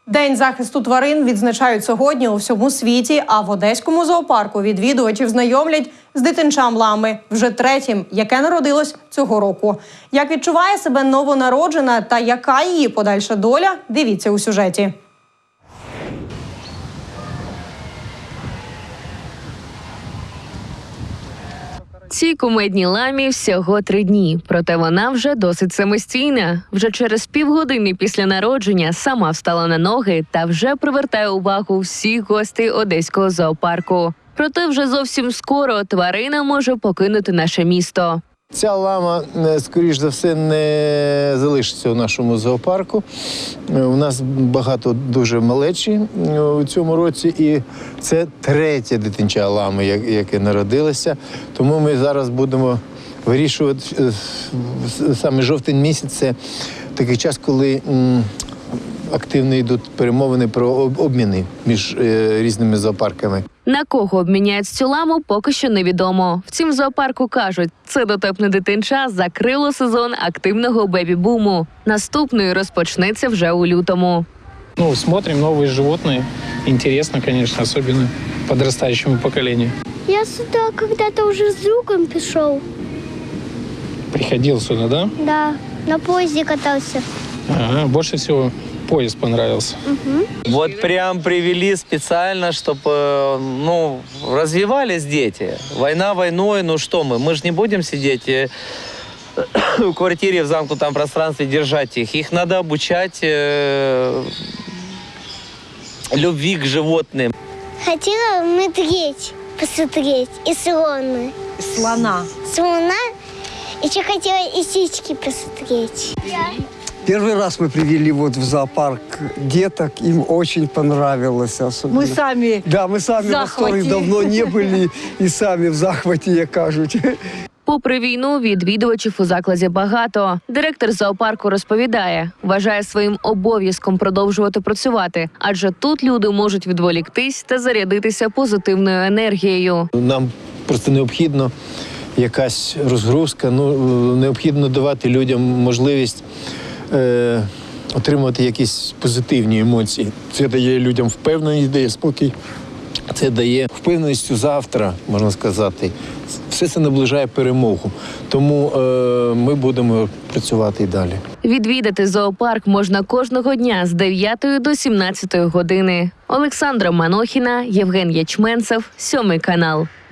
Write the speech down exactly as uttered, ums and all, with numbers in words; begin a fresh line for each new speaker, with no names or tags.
День захисту тварин відзначають сьогодні у всьому світі, а в Одеському зоопарку відвідувачів знайомлять з дитинчам лами, вже третім, яке народилось цього року. Як відчуває себе новонароджена та яка її подальша доля, дивіться у сюжеті.
Цій кумедній ламі всього три дні, проте вона вже досить самостійна. Вже через півгодини після народження сама встала на ноги та вже привертає увагу всіх гостей Одеського зоопарку. Проте вже зовсім скоро тварина може покинути наше місто.
Ця лама, скоріш за все, не залишиться у нашому зоопарку. У нас багато дуже малечі у цьому році, і це третє дитинча лами, яке народилося. Тому ми зараз будемо вирішувати, саме жовтень місяць – це такий час, коли активно йдуть перемовини про обміни між різними зоопарками.
На кого обміняють цю ламу, поки що невідомо. Втім, в зоопарку кажуть, це дотепне дитинча закрило сезон активного бебі-буму. Наступний розпочнеться вже у лютому.
Ну, смотрим новые животные. Интересно, конечно, особенно подрастающему поколению.
Я сюда когда-то уже с другом пришел.
Приходил сюда, да?
Да, на поезде катался.
Ага, больше всего поезд понравился.
Угу.
Вот прям привели специально, чтобы, ну, развивались дети. Война войной, ну что мы, мы же не будем сидеть э, в квартире в замкнутом пространстве, держать их. Их надо обучать э, любви к животным.
Хотела медведь посмотреть и слона.
Слона.
Слона. Еще хотела и птички посмотреть.
Первый раз мы привели вот в зоопарк деток, им очень понравилось. Особенно.
Ми самі.
Да, мы сами в восторге, давно не были и сами в захваті, як кажуть.
Попри війну, відвідувачів у закладі багато. Директор зоопарку розповідає, вважає своїм обов'язком продовжувати працювати, адже тут люди можуть відволіктись та зарядитися позитивною енергією.
Нам просто необхідно якась розгрузка, ну, необхідно давати людям можливість е, отримувати якісь позитивні емоції. Це дає людям впевненість, дає спокій. Це дає впевненість у завтра, можна сказати. Все це наближає перемогу. Тому е, ми будемо працювати і далі.
Відвідати зоопарк можна кожного дня з дев'ятої до сімнадцятої години. Олександра Манохіна, Євген Ячменцев, Сьомий канал.